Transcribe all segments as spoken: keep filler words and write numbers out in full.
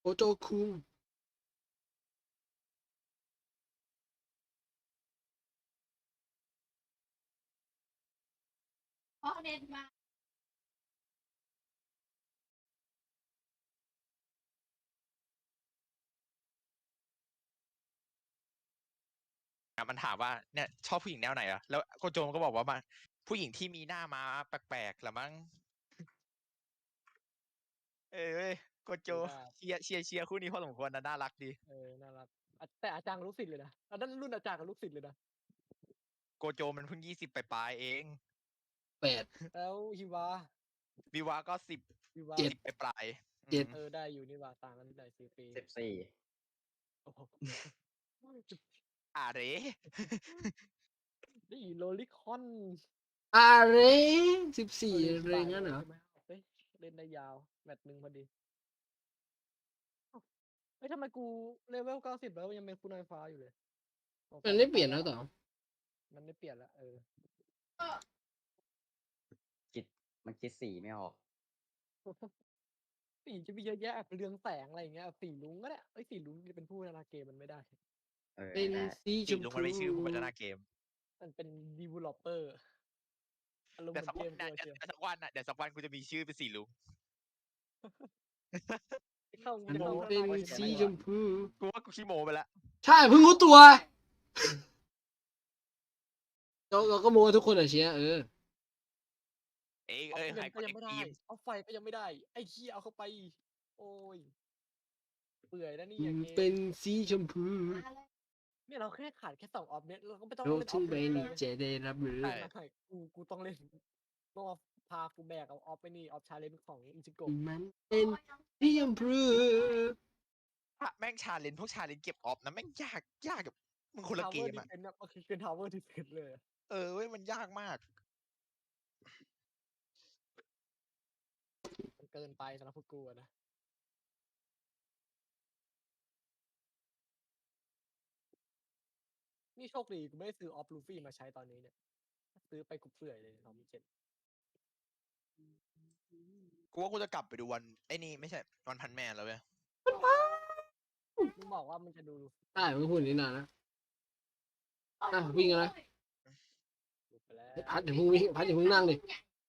โจคุงเพราะเน็ตมามันถามว่าเนี่ยชอบผู้หญิงแนวไหนอะแล้วโกโจมก็บอกว่ามาผู้หญิงที่มีหน้ามาแปลกๆละมั้งเออเว้ยโกโจเชียร์เชียร์เชียร์คู่นี้พอสมควรนะน่ารักดีเออน่ารักแต่อาจารย์กับลูกศิษย์เลยนะอันนั้นรุ่นอาจารย์กับลูกศิษย์เลยนะโกโจมันเพิ่งยี่สิบปลายๆเองแปดแล้วฮิวาวิวาก็สิบฮิวาเจ็ดสิบปลายๆเจ็ดอืมเออได้อยู่นี่ว่าต่างกันได้สี่ปีสิบสี่โอ้โหอ่าเรนี่โลลิคอนอะไรสิบสี่เอออะไรงั้นเหรอใช่ไหมเฮ้ยเล่นได้ยาวแมตช์หนึ่งพอดีเอ้าเฮ้ยทำไมกูเลเวลเก้าสิบแล้วยังเป็นคุณนายฟ้าอยู่เลยสงสัมันไม่เปลี่ยนแล้วต่อมันไม่เปลี่ยนแล้วเออคิดมันคิดสีไม่ออกสีจะมีเยอะแยะแบบเรืองแสงอะไรอย่างเงี้ยสีลุงก็ได้เอ้ยสีลุงจะเป็นผู้พัฒนาเกมมันไม่ได้เออเป็นได้สีชจริงมลุงพูมันไม่ชื่อผู้พัฒนาเกมมันเป็น developer อารมณ์เหแต่มือนสักเกวันมนะตัวเดี๋ยวเชียวสักวันน่ะเดี๋ยวสักวันกูจะมีชื่อเป็นสีลุงเข้ามันจะเข้าพัฒเป็นนาเกมสีได้ชวะมพูกูว่ากูขี้โมไปแล้วใช่เพิ่งรู้ตัวเราเราก็โม้ทุกคนอะเชียร์เออเอ้ยเอาเอ้ยเงิใครนคก็นยัในงไม่ได้ทีมเอาไฟก็ยังไม่ได้ ไอ้ขี้ยเอาเข้าไป โอ้ยเปื่อยแล้วนี่มัอย่างนเงี้เป็นสีชมพูเนี่ยเราแค่ขาดแค่สองออฟเนี่ยเราก็ไม่ต้องโลกเล่นอที่อฟไม่เลยมีเลยจะได้รับรู้ใช่ไม่ไม่กูกูต้องเล่นต้องเอาพากูแบกเอาออฟไปนี่ออฟชาเลนจ์ของอิจิโกะมันเป็นสีชมพูถ้าแม่งชาเลนจ์พวกชาเลนจ์เก็บออฟนะแม่งยากยากกับมึงคนละทาวเกเวอร์มดิอ่ะเฟนเนี่ยมันคือเป็นทาวเวอร์ดิเฟนเลยอะเออเว้ยมันยากมากมันเกินไปสำหรับพวกกูอะนะนี่โชคดีกูไม่ได้ซื้อออฟลูฟี่มาใช้ตอนนี้เนี่ยซื้อไปกูเปื่อยเลยสองพันเจ็ดกูว่ากูจะกลับไปดูวันไอ้นี่ไม่ใช่วันพันแมนแล้วเว้ยมึงบอกว่ามันจะดูได้ไม่พูดอย่างนี้นานนะอ่ะวิ่งกันนะดูไปแล้วพัดอย่าเพิ่งวิ่งพัดอย่าเพิ่งนั่งดิ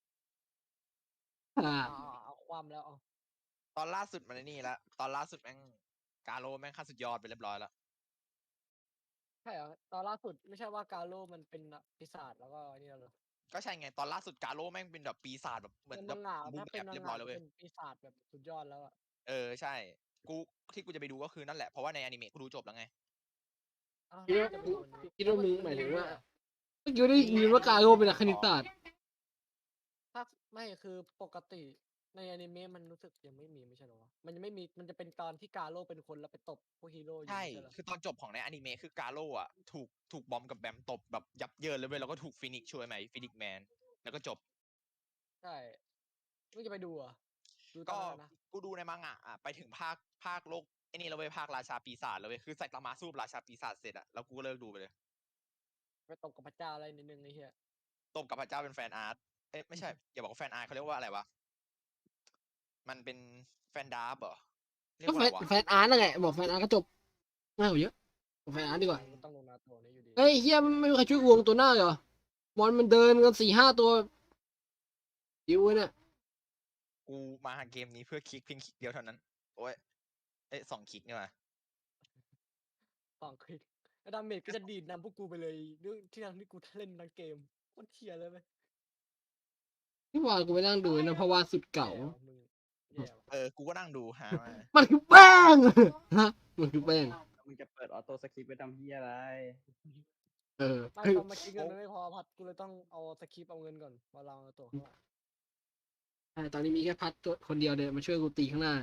อ่าเอาเอาเอาความแล้วเอาตอนล่าสุดมันไอ้นี่ละตอนล่าสุดแม่งกาโลแม่งขั้นสุดยอดไปเรียบร้อยแล้วใช่เหรอตอนล่าสุดไม่ใช่ว่ากาโลมันเป็นปีศาจแล้วก็นี่แล้วเหรอก็ใช่ไงตอนล่าสุดกาโลแม่งเป็นแบบปีศาจแบบเหมือนเป็นแบมับงงะบูถ้าแบเป็นบมังเรียบร้อยงะแล้วเว้ยเป็นปีศาจแบบสุดยอดแล้วอะเออใช่กูที่กูจะไปดูก็คือนั่นแหละเพราะว่าในอนิเมะกูดูจบแล้วไงอ้าวคิดแล้วว่าจะไปดูวันนี้คิดว่ามึงหมายถึงว่าเมื่อกี้ได้ยินว่ากาโร่เป็นนักคณิตศาสตร์ถ้าไม่คือปกติในอนิเมะมันรู้สึกยังไม่มีไม่ใช่เหรอวะมันยังไม่มีมันจะเป็นตอนที่กาโลเป็นคนแล้วไปตบพวกฮีโร่อยู่ใช่ใช่เหรอคือตอนจบของในอนิเมะคือกาโลอ่ะถูกถูกบอมกับแบมตบแบบยับเยินเลยเว้ยแล้วก็ถูกฟินิกช่วยไหมฟินิกแมนแล้วก็จบใช่มึงจะไปดูเหรอ่ะดูตอก็นนั้นนะกูดูในมังงะอ่ะไปถึงภาคภาคโลกไอ้นี่แล้วเว้ยภาคราชาปีศาจแล้วเว้ยคือไซตามาสู้กับราชาปีศาจเสร็จอ่ะแล้วกูก็เลิกดูไปเลยไปตบกับพระเจ้าอะไรนิดนึงไอ้เหี้ยตบกับพระเจ้าเป็นแฟนอาร์ตเอ๊ะไม่ใช่อย่าบอกว่าแฟนอาร์ตเขาเรียกว่าอะไรวะมันเป็นแฟนดาร์บเหรอเรียก็กว่าแฟอะไรนวะแฟนอาร์ตนั่นแหละบอกแฟนอาร์ตก็จบง่ายกว่าเยอะบอกแฟนอาร์ตดีกว่ามันต้องลงนาโตะนี่อยู่ดีเฮ้ยเฮียไม่มีใครช่วยวงตัวหน้าเหรอมอนมันเดินกันสี่ห้าตัวยิวเนี่ยกูมาหาเกมนี้เพื่อคลิกเพียงคลิกเดียวเท่านั้น โอ้ย เอ้ยสองคลิกเนี่ยว่ะสองคลิกแล้วดาเมจก็จะดีดนำพวกกูไปเลยด้วยที่ทางที่กูเล่นทั้งเกมโคตรเทียเลยไหมที่วานกูไปนั่งดูนะเพราะว่าสุดเก่าแย่ว่ะมึงแย่ว่ะเออ กูก็นั่งดูหามามันคือแป้งฮะมันคือแป้งมึงจะเปิดออโต้สคริปต์ไว้ทำเฮียอะไรเออไม่คือตอนมาคิดเงินมันไม่พอพัดกูเลยต้องเอาสคริปต์เอาเงินก่อนมาลองเอาตัวเข้ามาใช่ตอนนี้มีแค่พัดตัวคนเดียวเดินมาช่วยกูตีข้างหน้า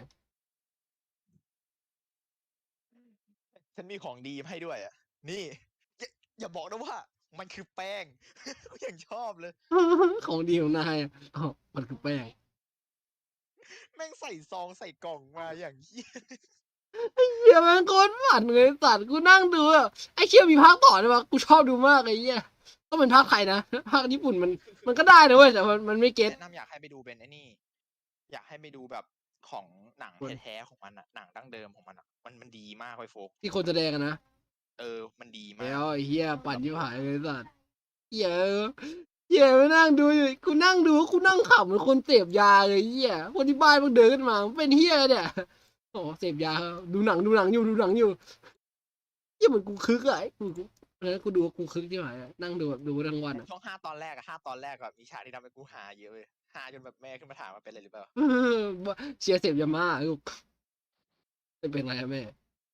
ฉันมีของดีมาให้ด้วยอ่ะ นี่ อย่าอย่าบอกนะว่า มันคือแป้ง กูยังชอบเลยของดีของนายอ่ะอ๋อมันคือแป้งแม่งใส่ซองใส่กล่องมาอย่างเหี้ยเฮียแม่งโคตรฝันเลยสัตว์กูนั่งดูอ่ะไอ้เชี่ยมีภาคต่อด้วยวะกูชอบดูมากไอ้เหี้ยต้องเป็นภาคไทยนะภาคญี่ปุ่นมันมันก็ได้นะเว้ยแต่มันมันไม่เก็ตแนะนำอยากให้ไปดูเป็นไอ้นี่ อยากให้ไปดูแบบของหนังคนแท้ๆของมันอะหนังดั้งเดิมของมันอะมันมันดีมากเลยโฟกที่คนแสดงกันนะเออ มันดีมาแล้กวไอ้เหี้ยปั่นยิบหายเลยสัตว์เหี้ยเหี้ยมานั่งดูอยู่กูนั่งดูกูนั่งขำเหมือนคนเสพยาเลยเหี้ยคนที่บ้านมึงเดินขึ้นมามึงเป็นเหี้ยเนี่ยโอ้เสพยาดูหนังดูหนังอยู่ดูหนังอยู่เหี้ยเหมือนกูคึกอะไอ้กูแล้วกูดูกูคึกที่ไหนอะนั่งดูแบบดูทั้งวันอะช่วงห้าตอนแรกอะห้าตอนแรกอะมีฉากที่ทำให้กูหาเยอะเลยหาจนแบบแม่ขึ้นมาถามว่าเป็นอะไรหรือเปล่าเชียร์เสพยามาลูกจะเป็นไรอะแม่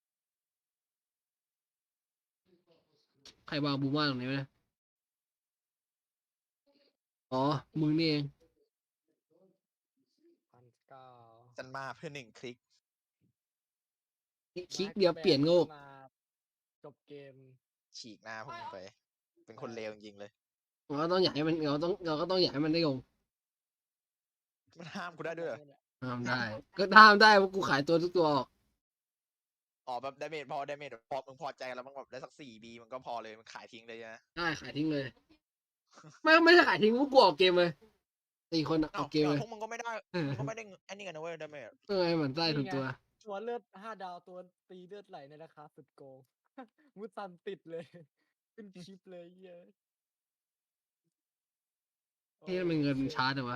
ใครวางบูม่าตรงนี้ไหมอ๋อมึงนี่เองพันเก้าจันมาเพื่อหนึ่งคลิกคลิกเดียวเปลี่ยนโงกมาจบเกมฉีกหน้าพวกมึงไป เป็นคนเลวจริงๆเลยเราก็ต้องอยากให้มันเราต้องเราก็ต้องอยากให้มันได้ลงมันห้ามกูได้ด้วยเหรอทำได้ ก็ทำได้เพราะกูขายตัวทุกตัวออกอ๋อแบบดาเมจพอดาเมจพอมึงพอใจแล้วมันแบบได้สักสี่บีมันก็พอเลยมันขายทิ้งเลยนะได้ขายทิ้งเลย ไม่ไม่ได้ขายทิ้งพวกกูออกเกมเลยสี่คนอะอเอ้าอกเกมเลยพวกมึงก็ไม่ได้มึงก็ไม่ได้ไอ้นี่กันนะเว้ยดาเมจเออเหมือนไส้ทุกตัวตัวเลือดห้าดาวตัวตีเลือดไหลในราคาสุดโกง มุสันติดเลย ขึ้นชิปเลยเหี้ยอะที่มันเงินมันช้าแต่วะ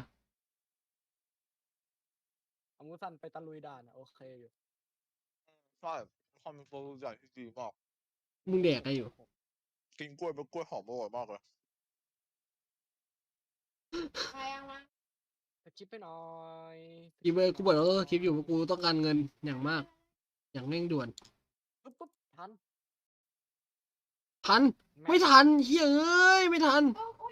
เอามุสันไปตะลุยด่านอะโอเคอยู่ใช่ความเป็นโปรใหญ่ที่ดีมากมึงแดกอะไรอยู่กินกล้วยเป็นกล้วยหอมอร่อยมากเลยสกิปไปหน่อยอีเบอร์กูบอกแล้วก็คลิปอยู่ว่ากูต้องการเงินอย่างมาก อย่างเร่งด่วนปุ๊บปุ๊บทันทันแไม่ทันเฮ้ยเอ้ยไม่ทัน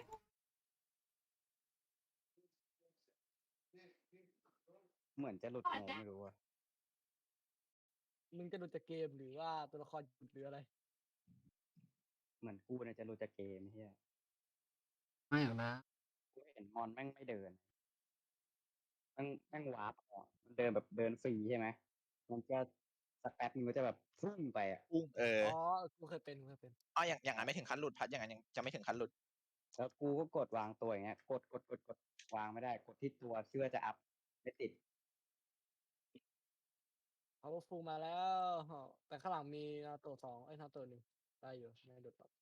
เหมือนจะหลุดโงไม่รู้อะมึงจะหลุดจากเกมหรือว่าตัวละครหยุดหรืออะไรเหมือนกูเนี่ยจะหลุดจากเกมเฮียไม่หรอกนะกูเห็นมอนแม่งไม่เดินแม่งแม่งวาร์ปออกมันเดินแบบเดินฟรีใช่ไหมมันจะสักแป๊บนึงมันจะแบบพุ่งไปอ่ะอุ้งเอออ๋อ กูเคยเป็นกูเคยเป็นอ๋ออย่างอย่างนั้นไม่ถึงขั้นหลุดพัดอย่างนั้นยังจะไม่ถึงขั้นหลุดแล้วกูก็กดวางตัวอย่างเงี้ย กดกดกดกดวางไม่ได้ กดที่ตัวเชื่อจะอัพไม่ติด powerful มาแล้ว แต่ข้างหลังมีนาโตะสองไอ้ยนาโตะหนึ่งได้อยู่ไม่หลุดหรอก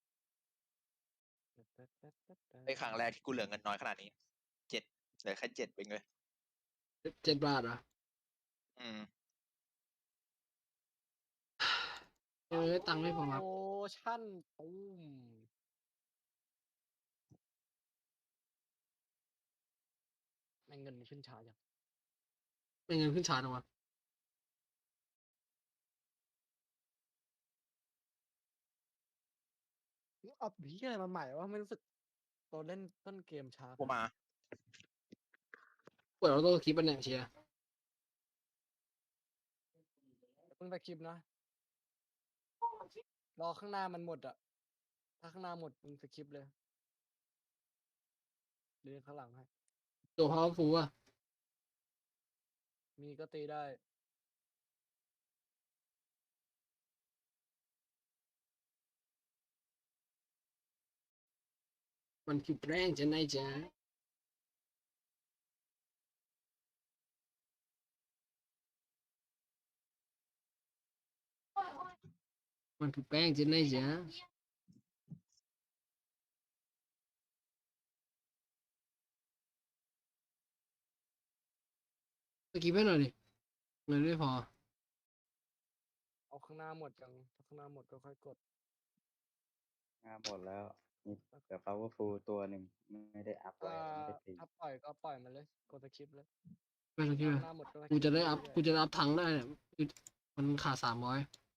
ในครั้งแรกที่กูเหลือเงินน้อยขนาดนี้เจ็ดเหลือแค่เจ็ดเองเลยเจ็ดบาทเหรออืมเออตังค์ไม่พอครับโอชั่นตูมแม่งเงินมันขึ้นช้าจังเป็นเงินขึ้นชาร์จวะอัพพีอะไรมาใหม่ว่าไม่รู้สึกตอนเล่นต้นเกมช้ากูมาเปิดเราต้องคลิปมันเนี่ยเชียร์เพิ่งไปคลิปนะ รอข้างหน้ามันหมดอ่ะ ถ้าข้างหน้าหมดมึงสคริปต์เลยเรียนข้างหลังให้ตัวพาวฟูอะมีก็ตีได้มันคือแป้งจะไหนจ๊ะมันคือแป้งจะไหนจ๊ะสกิปให้หน่อยดิเงินไม่พอเอาข้างหน้าหมดจังถ้าข้างหน้าหมดก็ค่อยกดงานหมดแล้วมีเหลือ powerful ตัวหนึ่งไม่ได้อัพไว้ถ้าไม่ได้ตีถ้าปล่อยก็ปล่อยมันเลย กดสคริปต์เลยไม่สกิปข้าอะงหน้าหมดก็สคกูริปต์จะได้อัพเรื่ยๆกูจะได้อัพทังค์ได้เนี่ยคือมันขาดสามร้อย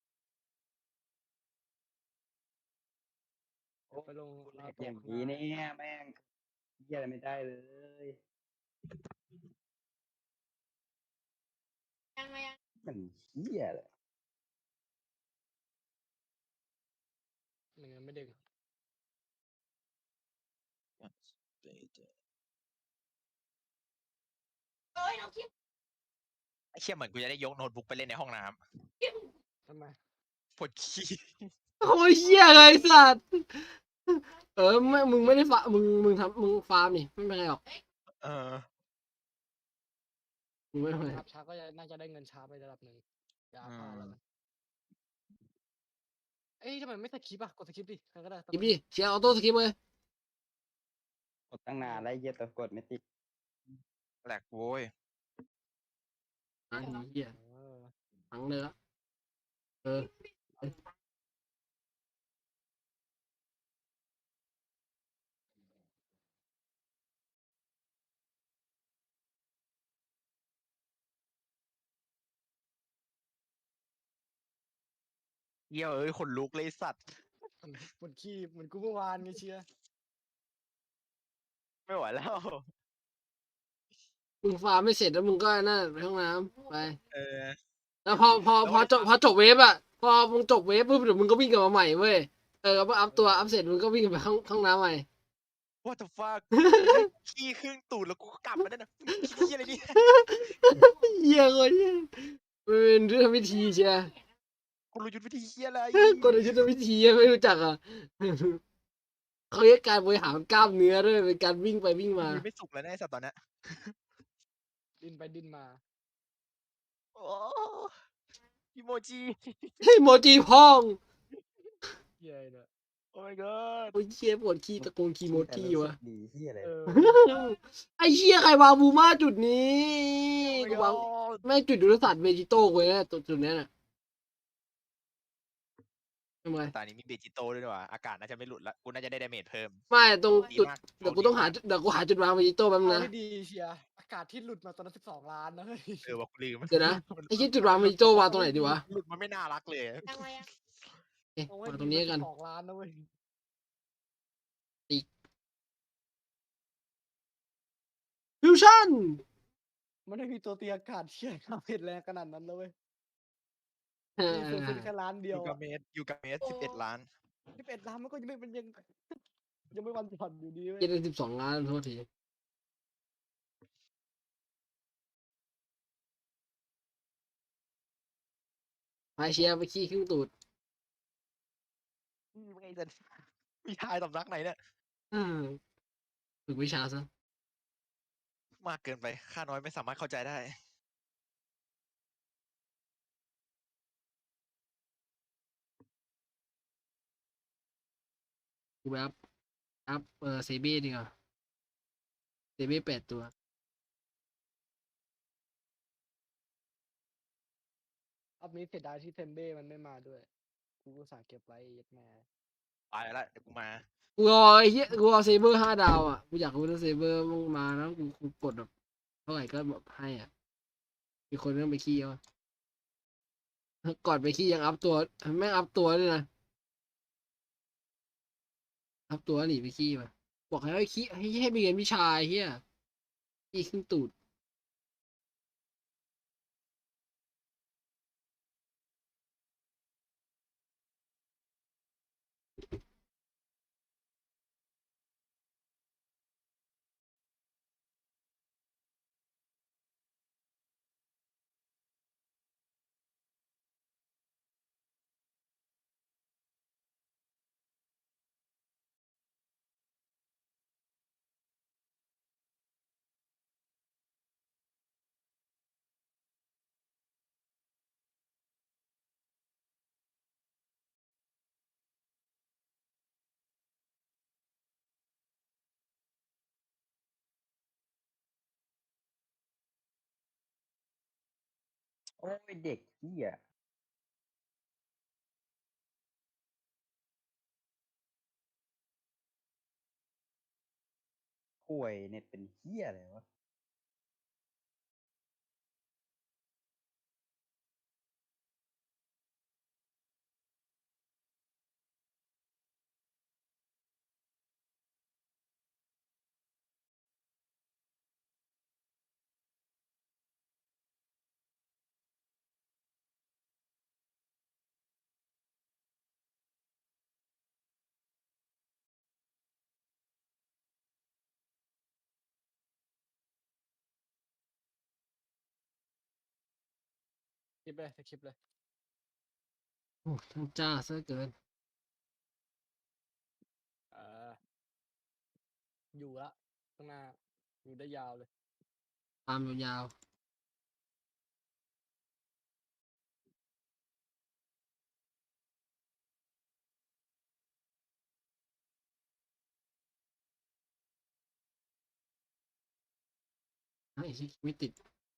เดี๋ยวไปลงกูแหลนาก โตะอย่างข้างหนี้น้าเนี่ยแม่งเหี้ยอะไรไม่ได้เลย มันเหี้ยเลยหนึ่งไม่เด้งไอ้เชี่ยเหมือนกูจะได้ยกโน้ตบุ๊กไปเล่นในห้องน้ทำไมำปวดขี้โอ้ยเหี้ยเลยสัตว์เออไม่มึงไม่ได้ฟามึงมึงทำมึงฟาร์มนี่ไม่เป็นไรหรอกเออกูไม่ไหวอัพช้าก็จะน่าจะได้เงินช้าไประดับหนึ่งอย่าอัพพลาดแล้วกันเอ้ยทำไมไม่สคริปต์อ่ะกดสคริปต์ดิใครก็ได้คลิปดิเชียร์ออโต้สคริปต์เลยกดตั้งนานแล้วไอ้เหี้ยแต่กดไม่ติดแหลกโว้ยไอ้เหี้ยเออทั้งเลยละเออเหี้ยเอ้ยขนลุกเลยสัตว์มันปวดขี้เหมือนกูเมื่อวานไงเชียร์ไม่ไหวแล้วมึงฟาร์มไม่เสร็จแล้วมึงก็นั่นไปห้องน้ำไปเออแล้วพอพอพอจบพอจบเวฟอ่ะพอมึงจบเวฟปุ๊บเดี๋ยวมึงก็วิ่งกลับมาใหม่เว้ยเออพออัพตัวอัพเสร็จมึงก็วิ่งไปห้องห้องน้ำใหม่ what the fuck ขี้ครึ่งตูดแล้วกูก็กลับมาได้นะขี้อะไรเนี่ยเหี้ยคนเหี้ยมันเป็นยุทธวิธีเชียร์กูรู้ยุทธวิธีเหี้ยอะไรกลยุทธวิธีไม่รู้จักอ่ะเขาเรียกการบริหารกล้ามเนื้อด้วยเป็นการวิ่งไปวิ่งมายืนไม่สุกแล้วนะไอ้สัตว์ตอนเนี้ยดิ้นไปดิ้นมาโอ้อีโมจิเฮ้ยโมจิพองเหี้ยเนี่ยโอ้ my god โอ้ยเชี่ยปวดขี้ตะโกนขี้โมจิวะดีเหี้ยอะไรเออไอ้เชี่ยใครวางบูมาจุดนี้ Oh my กูวาง god แม่งจุดยุทธศาสตร์เวจิโต้กูเลยนะตัวจุดนี้น่ะทำไมตอนนี้มีเบจิโต้ด้วยดีกว่าอากาศน่าจะไม่หลุดละกูน่าจะได้ดาเมจเพิ่มไม่ตรงดีจุดมากเดี๋ยวกูต้องหาจุดเดี๋ยวกูหาจุดวางเวจิโต้แป๊บนึงเอานะให้ดีเชียร์อากาศที่หลุดมาตอนนั้นสิบสองล้านนะเฮ้ยเออว่ากูลืมเดี๋ยวนะ ไอ้เชี่ยจุดวางเวจิโต้วางตรงไหนดีวะหลุดมันไม่น่ารักเลยเอ๊ะเอาให้วางดีตรงนี้กันสองล้านนะเว้ยฟิวชั่นมันไม่มีตัวตีอากาศเชี่ยทำเห็ดแรงขนาดนั้นแล้วเว้ยเออมีเซอร์ฟินแค่ล้านเดีอยวยู่กับเมสอยู่กับเมสสิบเอ็ดล้านสิบเอ็ดล้านมันก็ยังไม่เป็นยังยังไม่วันผ่อนอยู่ดีเว้ยเจ็ดสิบสองล้านโทษทีไปเชียร์ไปขี้ขึ้นตูดอืมไงจะมีทายสำนักไหนเนี่ยอืมฝึกวิชาซะมากเกินไปข้าน้อยไม่สามารถเข้าใจได้กูไปอัพอัพเออเซเบ้ดีกว่าเซเบ้แปดตัวอัพนี้เสียดายที่เทมเบ้มันไม่มาด้วย กูอุตส่าห์เก็บไว้ยัดแม่ไปแล้วเดี๋ยวกูมากูรอไอ้เหี้ยกูรอเซเบอร์ห้าดาวอ่ะกูอยากรู้ว่าเซเบอร์มึงมาแล้วกูกูกดแบบเท่าไหร่ก็แบบให้อ่ะมีคนเริ่มไปขี้แล้วอะก่อนไปขี้ยังอัพตัวแม่งอัพตัวด้วยนะอัพตัวหนีไปขี้มาบอกให้ไปขี้ให้ให้ไปเรียนวิชาไอ้เฮียขี้ขึ้นตูดโอ้ยเด็กเหี้ยห่วยเน็ตเป็นเหี้ยอะไรวะคลิปเลยคลิปเลยโอ้ทั้งจ้าซะเกินเอออยู่ละข้างหน้า อยู่ได้ยาวเลยตามยาวไอ้ชิไม่ติด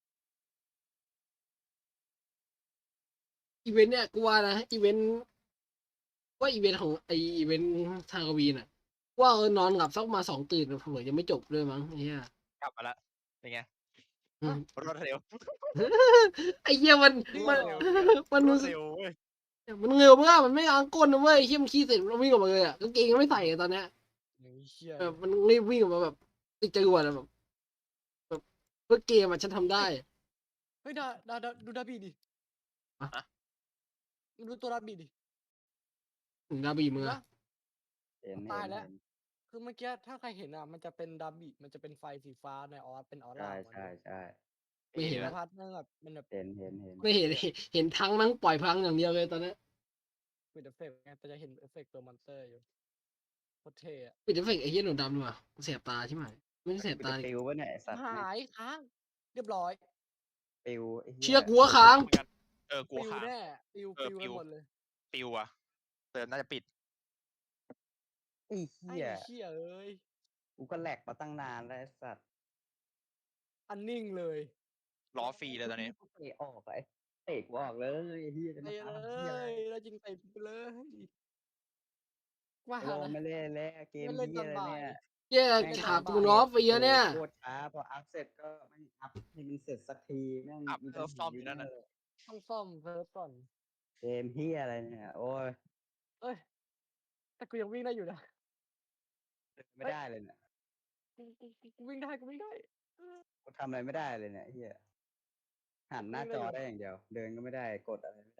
อีเวนต์เนี่ยกูว่านะอีเวนต์ว่าอีเวนต์ของไออีเวนต์ทางกวีน่ะว่าเออนอนหลับสักมาสองตื่นเผื่อยังไม่จบด้วยมั้งไอ้เหี้ยกลับมาละเป็นไงอืมรวดเร็วไอ้เหี้ยมันรมัวน ดเร็วมันรมัวน ดเร็วเว้ยมันเร็วมากมันไม่ล้างก้นนะเว้ยไอ้เหี้ยมันขี้เสร็จมันวิ่งออกมาเลยอ่ะกางเกงยังไม่ใส่อะตอนเนี้ยอย่างนี้เชี่ยแบบมันรีบวิ่งออกมาแบบติดจรวดอะแบบแบบเพื่อเกมอะฉันทำได้เฮ้ยดาดาดาดูดาบีดิอะดูตัวดาบีดิถึงดาบีมือเห็นอะปะเห็นตายเห็นแล้วเห็นคือเมื่อกี้ถ้าใครเห็นอ่ะมันจะเป็นดาบีมันจะเป็นไฟสีฟ้าในออสเป็นออใช่ร่าของมันใช่เลยใช่ไม่เห็นแล้ละวพัดมันแบบมันแบบเห็นเห็นเห็นไม่เห็นเห็นทั้งนั่งปล่อยพลังอย่างเดียวเลยตอนเนี้ยปิดเอฟเฟกต์ไงแต่จะเห็นเอฟเฟกต์ตัวมอนสเตอร์อยู่โคตรเท่อะปิดเอฟเฟกต์ไอ้เหี้ยหนูดำดีกว่าเสียบตาใช่ไหมไม่ได้เสียบกูตาจะดิปิววะเนี่ยไอ้สัตว์หายค้าง เรียบร้อยปิวไอ้เหี้ยเชี่ยกูว่าค้างเหมือนกันเออกลัวปิวขาดแน่ปิวเออปิวปิกันวหมดเลยปิวอะเติมน่าจะปิดไอ้ไอ้เหี้ยเชี่ยเอ้ยกูก็แหลกมาตั้งนานแล้วไอ้สัตว์อันนิ่งเลยล้อฟรีเลยตอนนี้กูเตะออกไอ้เตะกูออกเลยไอ้เหี้ยจะไปมาเลทำเหี้ยอะไรยแล้วจริงไปไปเลย ว่าลงนะไม่เล่นแล้วเกมไม่เล่นเหี้ตยอนอะไรบ่ายเนี่ยเหี้ยแม่งหาบ่ายกูล้อฟรีอะเนี่ยโคตรช้าพออัพเสร็จก็ไม่อัพให้มันเสร็จสักทีแม่งอัพมีเซิร์ฟซ่อมอยู่นั่นน่ะเลยต้องซ่อมเซิร์ฟก่อนเกมเหี้ยอะไรเนี่ยโอ้ยเอ้ย แต่กูยังวิ่งได้อยู่นะไม่ได้เลยเนี่ยกูกูกูกูวิ่งได้กูวิ่งได้เออกูทำอะไรไม่ได้เลยเนี่ยไอ้เหี้ยหันหน้าวิ่งจได้อยู่อได้อย่างเดียว เดินก็ไม่ได้กดอะไรไม่ได้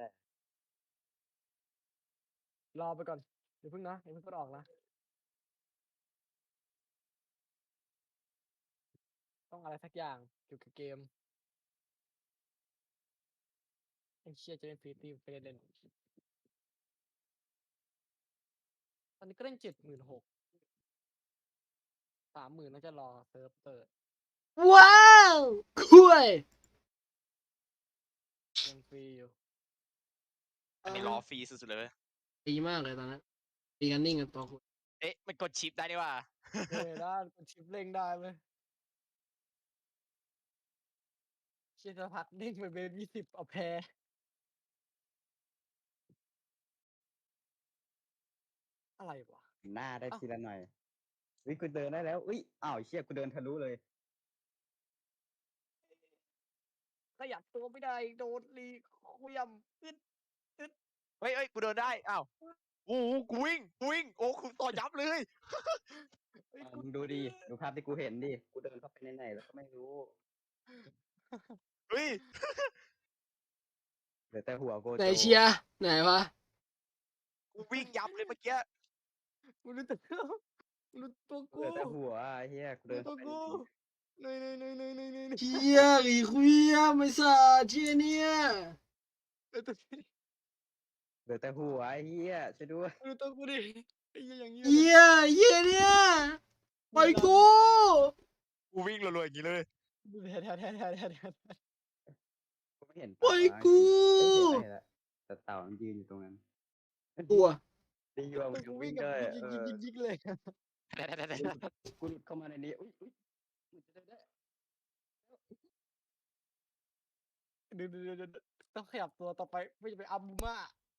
รอไปก่อนเดี๋ยวเพิ่งนะอย่าเพิ่งกดออกนะ ต้องอะไรสักอย่างเกี่ยวกับเกมไอ้เชี่ยจะเล่นฟรีตีไปเล่นตอนนี้ก็เล่นเจ็ดหมื่นหกสามหมื่นน่าจะรอเซิร์ฟเปิดว้าวคุยยังฟรีอยู่อันนี้ล้อฟรีสุดๆเลยเว้ยดีมากเลยตอนนั้นตีกันนิ่งกันตัวคุณเอ๊ะมันกดชิปได้นี่ว่าเฮ้ยได้กดชิปเร่งได้ไหมเชี่ยจะพักเด้งไปเบนยี่สิบเอาแพ้อะไรวะหน้าได้อ้าวทีละหน่อยอุ้ยกูเดินได้แล้วอุ้ยอ้าวเชี่ยกูเดินทะลุเลยขยับตัวไม่ได้โดนรีคุยำอึดเฮ้ยเฮ้ยกูเดินได้ อ้าวโอ้โหกูวิ่งกูวิ่ง โอ้คุณต่อยับเลยเฮ้ยอ่ะกูมึงดูดิดูภาพที่กูเห็นดิกูเดินเข้าไปในไหนแล้วก็ไม่รู้เฮ้ยเหลือแต่หัวโกไหนโจเชียร์ไหนวะกูวิ่งยับเลยเมื่อกี้กูรู้ตัวกูรู้ตัวเหกูลือแต่หัวไอ้เฮียกูเดิรู้นตัเข้าว ไปกูในนี้เนยเนยเนยเนยเนยเนยเชียร์อีคุยอะไม่สาเชียร์เนี่ยรู้ตัวกูเหลือแต่หัวไอ้เฮียช่วยด้วยรู้ตัวกูดิไอ้เหี้ยอย่างเงี้ยเฮียเฮียเนี่ยปล่อยกูกูวิ่งรัวๆอย่างนี้เลยเดี๋ยวเดี๋ยวเดี๋ยวเดี๋ยวเดี๋ยวเดี๋ยวกูไม่เห็นปล่อยเต่ากูเอ้ยเห็นอะไรละแต่เต่ามันยืนอยู่ตรงนั้นกลัวดีอยู่ว่ามึงกูยังวิ่วิ่งงกับได้ยิงเอยิงอยิงยิงเลยกูหลุดเข้ามาในนี้อุ้ยอุ้ยมันจะได้ได้เดี๋ยวเดี๋ยวเดี๋ยวต้องขยับตัวต่อไปไม่จะไปอัมบูม่า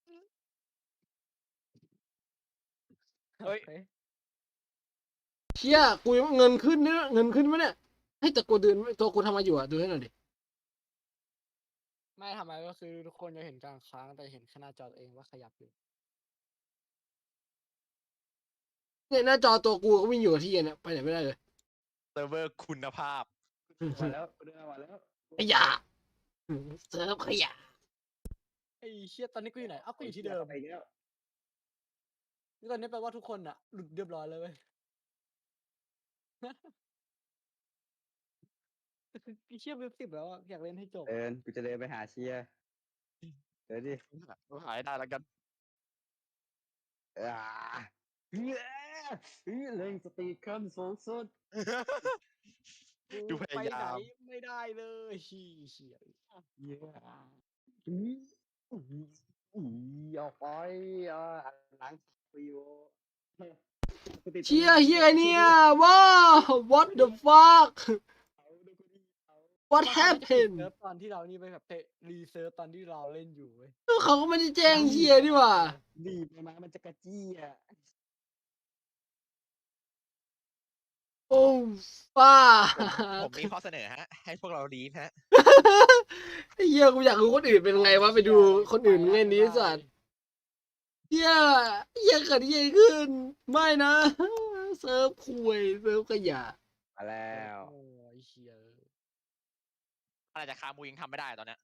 เฮ้ยโอคเชียกูยังเงินขึ้นเนี่ยเงินขึ้นไหมเนี่ยให้แต่กูเดินตัวกูทำมาอยู่อะดูให้หน่อยดิไม่ทำอะไรก็คือทุกคนจะเห็นกลางค้างแต่เห็นแค่หน้าจอตัวเองว่าขยับอยู่เนี่ยหน้าจอตัวกูก็วิ่งอยู่กับที่เนี่ยไปไหนไม่ได้เลยเซิร์ฟเวอร์คุณภาพมาแล้วกูเดินมาแล้วขยะเซิร์ฟขยะไอ้เชี่ยตอนนี้กูอยู่ไหนอ้าวกูอยู่ที่เดิมไปแล้วนี่ตอนนี้แปลว่าทุกคนอะหลุดเรียบร้อยเลยเว้ย แต่คือไอ้เชี่ยเว็บสิบแล้วอะอยากเล่นให้จบเดินกูจะเดินไปหาเชียร์เดี๋ยวดิกูหายได้แล้วกันอ่าเฮ้ยเฮ้ยเล่งสตีขั้นสูงสุดดูพไปยาไหนยามไม่ได้เลยเฮียเชี่ยเย้อืออืออือออกไปอ่าหลังฟิวเชียเฮียเนี่ยว้าว what the fuck เอาดูกูดิเอา what ว่าเขาน่าจะปิด happened เซิร์ฟตอนที่เรานี่ไปแบบเตะรีเซิร์ฟตอนที่เราเล่นอยู่เว้ยเขาก็ไม่ได้แจ้งเชียร์นี่หว่ารีบไปมามันจะกระจี้อ่ะโอ้ป้าผมมีข้อเสนอฮะ ให้พวกเราลีฟฮะไอ้เหี้ยกูอยากรู้คนอื่นเป็นไงวะไปดูคนอื่นเล่นนี้สัตว์เหี้ยเหี้ยเกิดเหี้ยขึ้น ไม่นะเซิร์ฟคุยเซิร์ฟขยะมาแล้วโอ้ยเชียอะไรจะคามูยังทำไม่ได้ตอนเนี้ย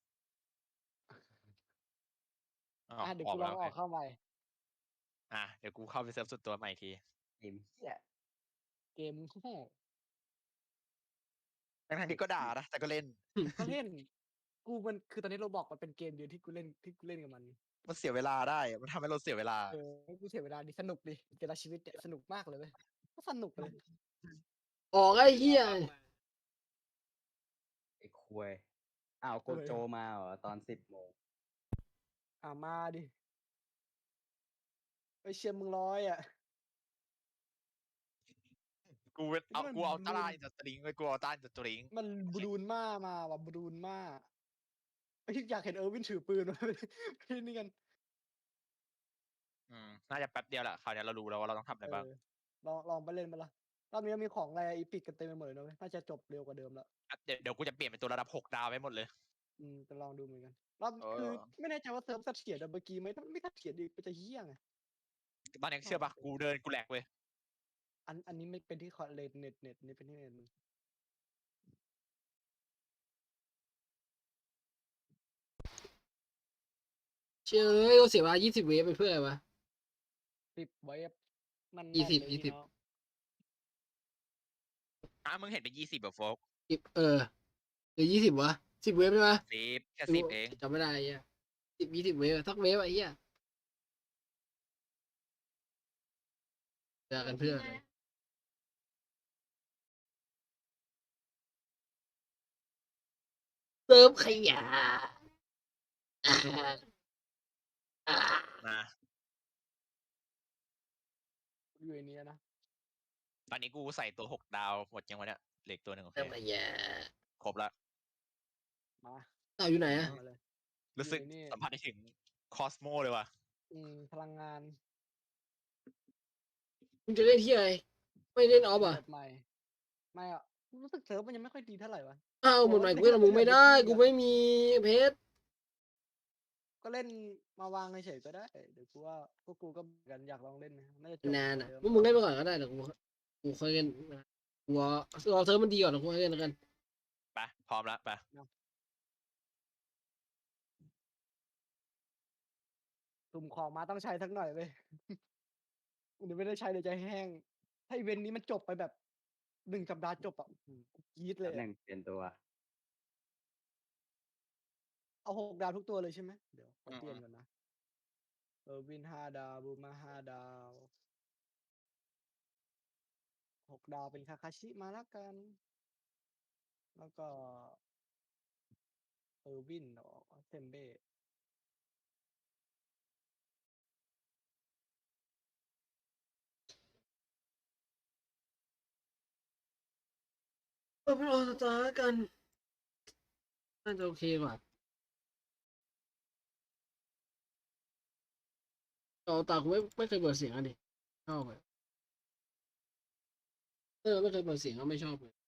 อ๋ออ่ะเดี๋ยวออกูกลแล้องวอโออกเคเข้าใหม่อ่ะเดี๋ยวกูเข้าไปเซิร์ฟสุดตัวใหม่อีกทีเกมเหี้ยเกมโง่ทั้งๆที่ก็ด่านะ แต่ก็เล่นก็เล่น กูมันคือตอนนี้เราบอกมันเป็นเกมเดียวที่กูเล่นที่กูเล่นกับมันมันเสียเวลาได้อะมันทำให้เราเสียเวลาเออให้กูเสียเวลาดิสนุกดิเวลาชีวิตเนี่ยสนุกมากเลยเว้ยก็สนุกเลยออกไอ้เหี้ยไอ้ควยอ้าวโกโจมาเหรอตอนสิบโมงอ่ามาดิไปเชียร์มึงร้อยอ่ะกูเป็นเอามันกูเอามันตาลาอินสตริงไว้กูเอาต้านอินสตริงมันบรูนมามาว่ะบรูนมาไอ้ที่อยากเห็นเออร์วินถือปืน มาไปนี่กันอืมน่าจะแป๊บเดียวแหละคราวนี้เรารู้แล้วว่าเราต้องทำอะไรบ้างเออลองลองไปเล่นมาละรอบนี้มีของอะไรอีพิกกันเต็มไปหมดเลยนะเว้ยน่าจะจบเร็วกว่าเดิมแล้วอ่ะเดี๋ยวเดี๋ยวกูจะเปลี่ยนเป็นตัวระดับหกดาวไว้หมดเลยอืมจะลองดูเหมือนกันรอบเออคือไม่แน่ใจว่าเซิร์ฟเสถียรแต่เมื่อกี้ไม่ไม่เสถียรอีกมันจะเฮี้ยไงตอนนี้เชื่อปะกูเดินกูแหลกเว้ยอันอันนี้ไม่เป็นที่คอเลนเน็ตเน็ตนี่เป็นที่เน็ตมึงเชื่อเอ้ยเราเสียเวลายี่สิบเวฟไปเพื่ออะไรวะสิบเวฟมันยี่สิบเลยยี่สิบพี่น้องอ่ะมึงเห็นเป็นยี่สิบแบบโฟกสิบเออหรือยี่สิบวะสิบเวฟใช่ไหมสิบแค่สิบเองจำไม่ได้ไอ้เหี้ยสิบยี่สิบเวฟสักเวฟอะไอ้เหี้ยเจอกันเพื่อนเซิร์ฟขยะอ่าอ่านะอยู่ในนี้นะตอนนี้กูใส่ตัวหกดาวหมดยังวะเนี่ยเหล็กตัวหนึ่งโอเคเซิร์ฟขยะครบละมาเต่าอยู่ไหนอะมาเลยรู้สึกอยู่ในนี่สัมผัสได้ถึงคอสโมเลยว่ะอืมพลังงานมึงจะเล่นที่อะไรไม่เล่นออฟอ่ะเปิดใหม่ไม่อ่ะรู้สึกเซิร์ฟมันยังไม่ค่อยดีเท่าไหร่วะอ้าวหมดใหม่โอ้กูเล่นกับมึงไม่ได้เล่นกับกูไม่มีเพชรก็เล่นมาวางเฉยๆก็ได้เดี๋ยวกูว่าพวกกูก็เหมือนกันอยากลองเล่นนะน่าจะจบนานกอ่ะว่าเดิพวกมึงเล่นไปก่อนก็ได้เดี๋ยวกูกูค่อยเล่นกูรอรอเซิร์ฟมันดีก่อนเดี๋ยวกูค่อยเล่นแล้วกันไป พร้อมแล้วไปตุ่มของมาต้องใช้สักหน่อยเว้ย เดี๋ยวไม่ได้ใช้เดี๋ยวจะแห้ง ถ้าอีเวนต์นี้มันจบไปแบบหนึ่งสัปดาห์จบอ่ะอื้อหือกูกรี๊ดเลแป๊ยบหนึ่อะงเปลี่ยนตัวเอาหกดาวทุกตัวเลยใช่ไหมเดี๋ยวขออืมเปลี่ยนก่อนนะเออวินห้าดาวบูมาห้าดาวหกดาวเป็นคาคาชิมาแล้วกัน แล้วก็เออวินเนาะเซมเบ้เออเป็นออสตาร์กันน่าจะโอเคกว่าออสตาร์กูไม่ไม่เคยเปิดเสียงอ่ะดิชอบเลยเออไม่เคยเปิดเสียงก็ไม่ชอบเลย